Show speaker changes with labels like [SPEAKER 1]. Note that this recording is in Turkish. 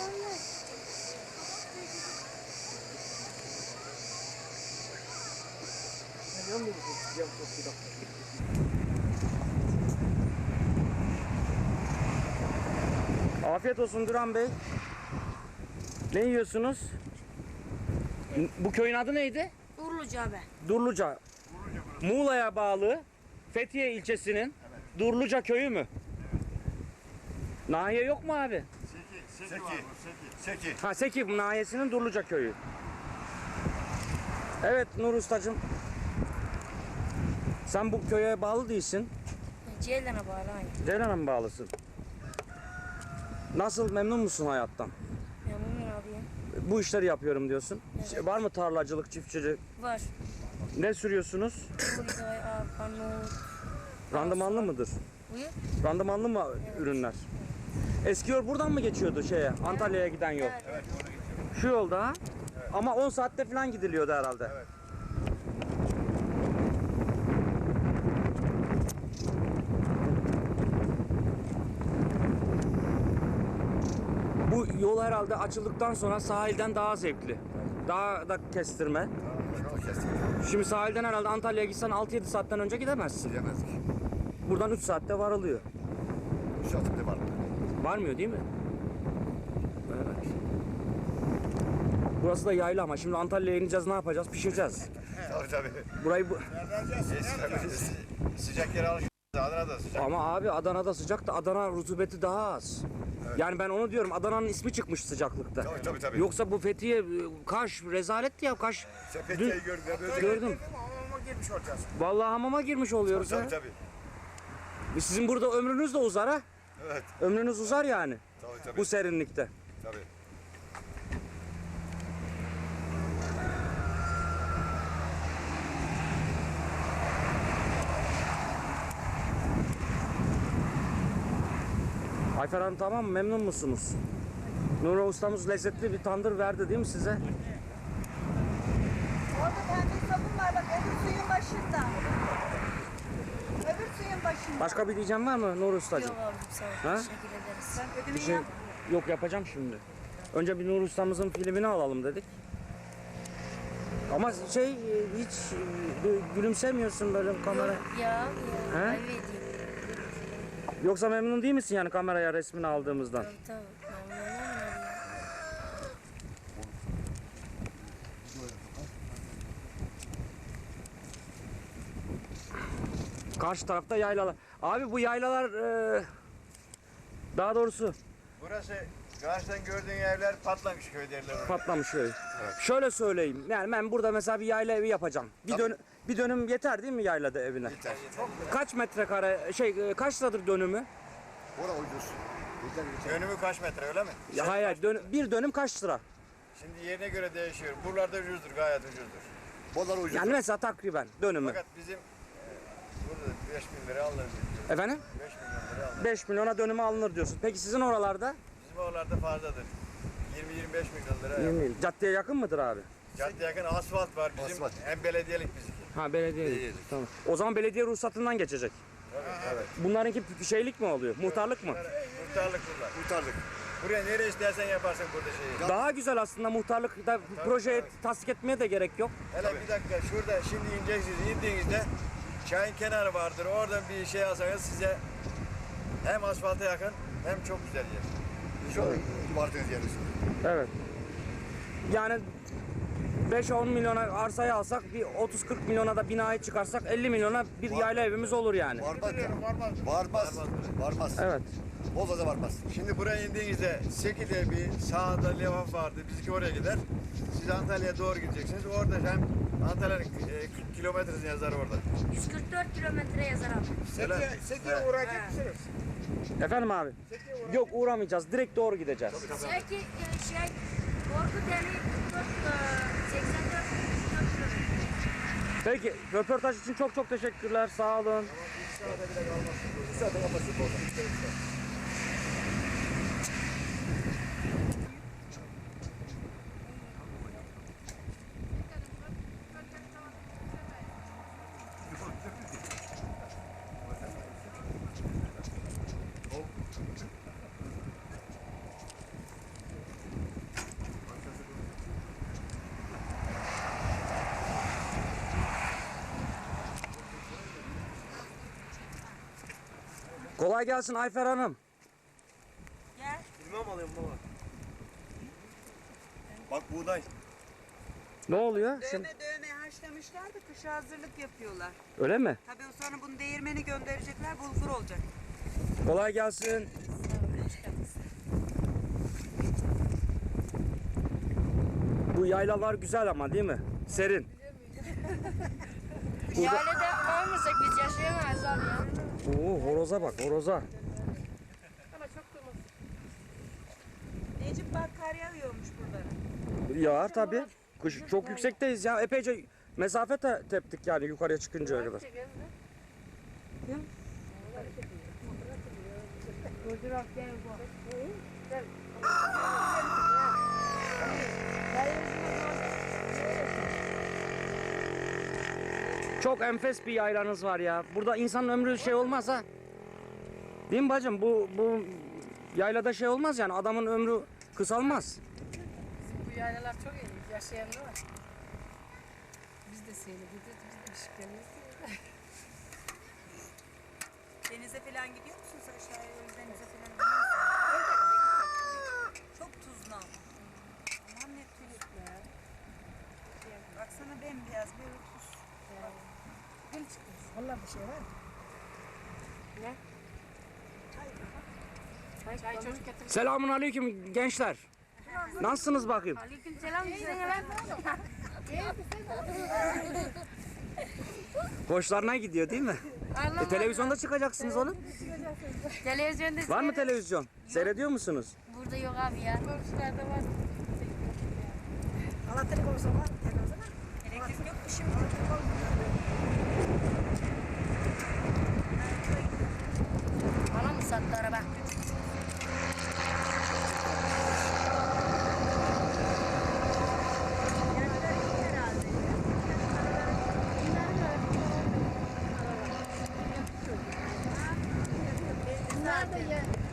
[SPEAKER 1] Afiyet olsun Duran Bey. Ne yiyorsunuz? Bu köyün adı neydi?
[SPEAKER 2] Durluca abi.
[SPEAKER 1] Durluca. Muğla'ya bağlı Fethiye ilçesinin Durluca köyü mü? Nahiye yok mu abi?
[SPEAKER 3] Seki.
[SPEAKER 1] Ha, Seki nahiyesinin Durluca köyü. Evet Nur Ustacığım. Sen bu köye bağlı değilsin.
[SPEAKER 2] Ceylan'a bağlı aynı.
[SPEAKER 1] Ceylan'a mı bağlısın? Nasıl, memnun musun hayattan?
[SPEAKER 2] Memnunum abi.
[SPEAKER 1] Bu işleri yapıyorum diyorsun.
[SPEAKER 2] Evet.
[SPEAKER 1] Var mı tarlacılık, çiftçilik?
[SPEAKER 2] Var.
[SPEAKER 1] Ne sürüyorsunuz?
[SPEAKER 2] Buğday, arpa, nohut.
[SPEAKER 1] Randımanlı mıdır?
[SPEAKER 2] Buyur.
[SPEAKER 1] Randımanlı mı ürünler? Eski yol buradan mı geçiyordu Antalya'ya giden yol?
[SPEAKER 2] Evet.
[SPEAKER 1] Şu yolda ha? Ama 10 saatte falan gidiliyordu herhalde.
[SPEAKER 3] Evet.
[SPEAKER 1] Bu yol herhalde açıldıktan sonra sahilden daha zevkli. Daha da kestirme. Şimdi sahilden herhalde Antalya'ya gitsen 6-7 saatten önce gidemezsin.
[SPEAKER 3] Gidemezdik.
[SPEAKER 1] Buradan 3 saatte varılıyor.
[SPEAKER 3] Şartında var.
[SPEAKER 1] Varmıyor değil mi? Evet. Burası da yayla ama şimdi Antalya'ya ineceğiz, ne yapacağız? Pişireceğiz.
[SPEAKER 3] Tabii.
[SPEAKER 1] Burayı
[SPEAKER 3] Sıcak yere alışıyoruz. Adana'da sıcak.
[SPEAKER 1] ama abi Adana'da sıcak da Adana rutubeti daha az. Yani ben onu diyorum, Adana'nın ismi çıkmış sıcaklıkta.
[SPEAKER 3] Tabii.
[SPEAKER 1] Yoksa bu Fethiye, Kaş rezaletti ya, Kaş.
[SPEAKER 3] Sen Fethiye'yi gördün.
[SPEAKER 1] Gördüm.
[SPEAKER 3] Ama girmiş olacağız.
[SPEAKER 1] Vallahi hamama girmiş oluyoruz ha.
[SPEAKER 3] Tabii.
[SPEAKER 1] Sizin burada ömrünüz de uzar ha.
[SPEAKER 3] Evet.
[SPEAKER 1] Ömrünüz uzar yani.
[SPEAKER 3] Tabii.
[SPEAKER 1] Bu serinlikte.
[SPEAKER 3] Tabii.
[SPEAKER 1] Ayfer Hanım tamam mı? Memnun musunuz? Nuri ustamız lezzetli bir tandır verdi değil mi size?
[SPEAKER 4] Orada pembe sabun var bak öbür suyun başında. Öbür suyun başında.
[SPEAKER 1] Başka bir diyeceğim var mı Nuri ustacığım?
[SPEAKER 2] Yok abi sağ ol.
[SPEAKER 1] Ha?
[SPEAKER 2] Teşekkür ederiz.
[SPEAKER 4] Sen
[SPEAKER 1] Bir
[SPEAKER 4] ödümü
[SPEAKER 1] şey
[SPEAKER 4] yap.
[SPEAKER 1] yok, yapacağım şimdi. Önce bir Nuri ustamızın filmini alalım dedik. Ama hiç gülümsemiyorsun böyle kamera.
[SPEAKER 2] Ya.
[SPEAKER 1] He?
[SPEAKER 2] Ayıp edeyim.
[SPEAKER 1] Yoksa memnun değil misin yani kameraya resmini aldığımızdan?
[SPEAKER 2] Tamam. Memnun olmam abi.
[SPEAKER 1] Karşı tarafta yaylalar. Abi bu yaylalar daha doğrusu
[SPEAKER 3] Burası karşıdan gördüğün evler Patlamış köy derler.
[SPEAKER 1] patlamış köy. Şöyle söyleyeyim. Yani ben burada mesela bir yayla evi yapacağım. Bir dönüm yeter değil mi yaylada evine?
[SPEAKER 3] Yeter.
[SPEAKER 1] Kaç metrekare kaç liradır dönümü?
[SPEAKER 3] Bura ucuz. Önümü kaç metre öyle mi?
[SPEAKER 1] Ya hayır, bir dönüm kaç lira?
[SPEAKER 3] Şimdi yerine göre değişiyor. Buralarda ucuzdur, gayet ucuzdur. Buralar ucuz.
[SPEAKER 1] Yani mesela takriben dönümü.
[SPEAKER 3] Fakat bizim burada 5.000 lira alınır.
[SPEAKER 1] Efendim?
[SPEAKER 3] 5 milyon lira alınır.
[SPEAKER 1] 5 milyona dönümü alınır diyorsun. Peki sizin oralarda?
[SPEAKER 3] Bizim oralarda fazladır. 20-25 milyon lira.
[SPEAKER 1] 20 Caddeye yakın mıdır abi?
[SPEAKER 3] Cadde yakın asfalt var bizim.
[SPEAKER 5] Asfalt.
[SPEAKER 3] Hem belediyelik bizimki.
[SPEAKER 1] Ha, belediye. Tamam. O zaman belediye ruhsatından geçecek.
[SPEAKER 3] Evet.
[SPEAKER 1] Bunlarınki şeylik mi oluyor? Muhtarlık mı?
[SPEAKER 3] Muhtarlık bunlar.
[SPEAKER 5] Kurtardık.
[SPEAKER 3] Buraya nereye istersen yaparsın burada şeyi.
[SPEAKER 1] Daha güzel aslında muhtarlıkta projeye tasdik etmeye de gerek yok.
[SPEAKER 3] Hele bir dakika şurada şimdi ineceksiniz. İndiğinizde çayın kenarı vardır. Oradan bir şey alsanız size hem asfalta yakın hem çok güzel yer.
[SPEAKER 5] Şu vardığınız yeriniz.
[SPEAKER 1] Evet. Yani 5-10 milyona arsayı alsak, bir 30-40 milyona da binayı çıkarsak 50 milyona bir yayla evimiz olur yani.
[SPEAKER 5] Varmaz ya. Varmaz. Varmaz.
[SPEAKER 1] Evet.
[SPEAKER 5] Bozda da varmaz.
[SPEAKER 3] Şimdi buraya indiğinizde Seki'de bir sağda levha vardı. Bizimki oraya gider. Siz Antalya'ya doğru gideceksiniz. Orada hem Antalya'nın 40 kilometresini yazar orada.
[SPEAKER 2] 144 kilometre yazar abi.
[SPEAKER 3] Seki'ye uğrayacak mısınız?
[SPEAKER 1] Efendim abi? Yok, uğramayacağız. Direkt doğru gideceğiz.
[SPEAKER 2] Korkut yani 84 kilometre.
[SPEAKER 1] Peki, röportaj için çok çok teşekkürler. Sağ olun.
[SPEAKER 5] Zaten kapasite orada.
[SPEAKER 1] Kolay gelsin Ayfer Hanım.
[SPEAKER 4] Gel.
[SPEAKER 3] Bilmem alayım baba. Bak buğday.
[SPEAKER 1] Ne oluyor? Şimdi,
[SPEAKER 4] Dövme haşlamışlar da kışa hazırlık yapıyorlar.
[SPEAKER 1] öyle mi?
[SPEAKER 4] Tabii sonra bunu değirmeni gönderecekler, bulgur olacak.
[SPEAKER 1] Kolay gelsin. Bu yaylalar güzel ama değil mi? Serin.
[SPEAKER 2] Yaylada olmasak biz yaşayamayız abi ya.
[SPEAKER 1] Oo, horoza bak, horoza.
[SPEAKER 4] Necip bak kar yağıyormuş burada.
[SPEAKER 1] Ya tabii. Kış çok yüksekteyiz ya. Epeyce mesafe teptik yani yukarıya çıkıncaya kadar. Çok enfes bir yaylanız var ya. Burada insanın ömrü şey olmaz ha. Değil mi bacım? Bu yaylada şey olmaz yani. Adamın ömrü kısalmaz.
[SPEAKER 6] Bu yaylalar çok iyi. Yaşayanlar var. Biz de seyredeceğiz. Biz de ışıklarımız.
[SPEAKER 4] Denize falan gidiyor musunuz aşağıya? O yüzden denize falan gidiyor musun? Çok tuzlu ama. Aman ne tuzlu ya. Baksana bembeyaz böyle tuz.
[SPEAKER 6] Gül çıktı. Vallahi bir şey var mı? Ne? Çay çocuk getir.
[SPEAKER 1] Selamun aleyküm gençler. Nasılsınız bakayım?
[SPEAKER 2] Aleykümselam bize ne
[SPEAKER 1] Hoşlarına gidiyor değil mi? Televizyonda çıkacaksınız oğlum.
[SPEAKER 2] Televizyonda
[SPEAKER 1] Var mı televizyon? Seyrediyor musunuz?
[SPEAKER 2] Burada yok abi ya.
[SPEAKER 6] Komşularda var.
[SPEAKER 4] Allah telefonu sonra. Elektrik yok mu şimdi?
[SPEAKER 2] Bana mı sattı araba?
[SPEAKER 6] Nerede ya?